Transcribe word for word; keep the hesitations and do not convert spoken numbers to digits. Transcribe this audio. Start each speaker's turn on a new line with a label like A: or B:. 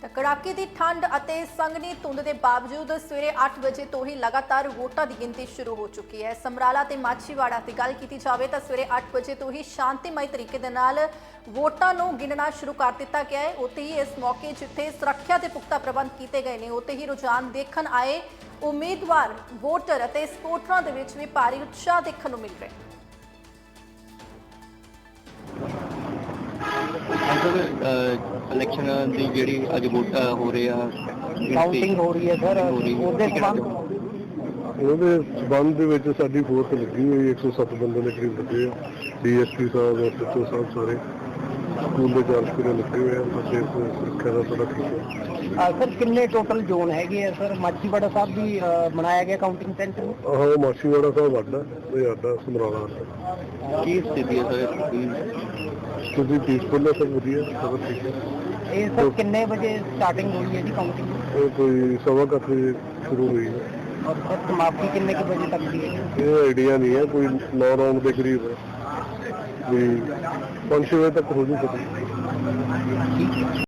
A: कड़ाके की ठंड और संघनी धुंध के बावजूद सवेरे आठ बजे तो ही लगातार वोटां की गिनती शुरू हो चुकी है। समराला ते माछीवाड़ा की गल की जाए तो सवेरे आठ बजे तो ही शांतिमय तरीके दे नाल वोटां नूं गिनना शुरू कर दिता गया है। उत्ते ही इस मौके जिथे सुरक्षा के पुख्ता प्रबंध किए गए हैं, उत्ते ही रुझान देखण आए उम्मीदवार वोटर और सपोर्टरां दे विच भी भारी उत्साह देखण नूं मिल रहा है।
B: इलेक्शन ਦੀ ਜਿਹੜੀ ਅੱਜ ਵੋਟ ਹੋ ਰਹੀ ਆ
C: ਕਾਊਂਟਿੰਗ ਹੋ ਰਹੀ ਹੈ ਸਰ ਉਹਦੇ ਸੰਬੰਧ
D: ਉਹਦੇ ਸੰਬੰਧ ਦੇ ਵਿੱਚ ਸਾਡੀ ਫੋਰਸ ਲੱਗੀ ਹੋਈ ਇੱਕ ਸੌ ਸੱਤ ਬੰਦੇ ਦੇ ਕਰੀਬ ਲੱਗੇ ਆ। ਡੀਐਸਪੀ ਸਾਹਿਬ ਐਸਐਚਓ ਸਾਹਿਬ ਸਾਰੇ ਸਕੂਲ ਦੇ ਚਾਰ ਸਕੂਲ ਲੱਗੇ ਹੋਏ ਆ। ਬੱਚੇ ਸੁਰੱਖਿਆ ਦਾ ਸਾਡਾ ਠੀਕ ਹੈ।
C: ਸਰ ਕਿੰਨੇ ਟੋਟਲ ਜ਼ੋਨ ਹੈਗੇ ਆ ਸਰ? ਮਾਛੀਵਾੜਾ ਸਾਹਿਬ ਵੀ ਬਣਾਇਆ ਗਿਆ ਕਾਊਂਟਿੰਗ ਸੈਂਟਰ?
D: ਆਹੋ ਮਾਛੀਵਾੜਾ ਸਾਹਿਬ ਵੱਡਾ ਇਹ ਸਾਡਾ ਸਮਰਾਲਾ ਦਾ।
B: ਕੀ ਸਥਿਤੀ ਹੈ ਸਰ?
D: ਤੁਸੀਂ ਪੀਸਫੁਲ ਹੈ? ਸਭ ਵਧੀਆ, ਸਭ ਠੀਕ ਹੈ।
C: ਇਹ ਸਰ ਕਿੰਨੇ ਵਜੇ ਸਟਾਰਟਿੰਗ ਹੋਈ ਹੈ ਜੀ ਕਾਊਂਟਿੰਗ?
D: ਇਹ ਕੋਈ ਸਵਾ ਕੁ ਅੱਠ ਵਜੇ ਸ਼ੁਰੂ ਹੋਈ ਹੈ।
C: ਔਰ ਸਰ ਸਮਾਪਤੀ ਕਿੰਨੇ ਕੁ ਵਜੇ ਤੱਕ ਦੀ ਹੈ?
D: ਇਹ ਆਈਡੀਆ ਨਹੀਂ ਹੈ, ਕੋਈ ਨੌ ਰਾਉਂਡ ਦੇ ਕਰੀਬ ਹੈ, ਵੀ ਪੰਜ ਛੇ ਵਜੇ ਤੱਕ ਹੋ ਜੂ ਸਕਦੀ।
C: ਠੀਕ ਹੈ।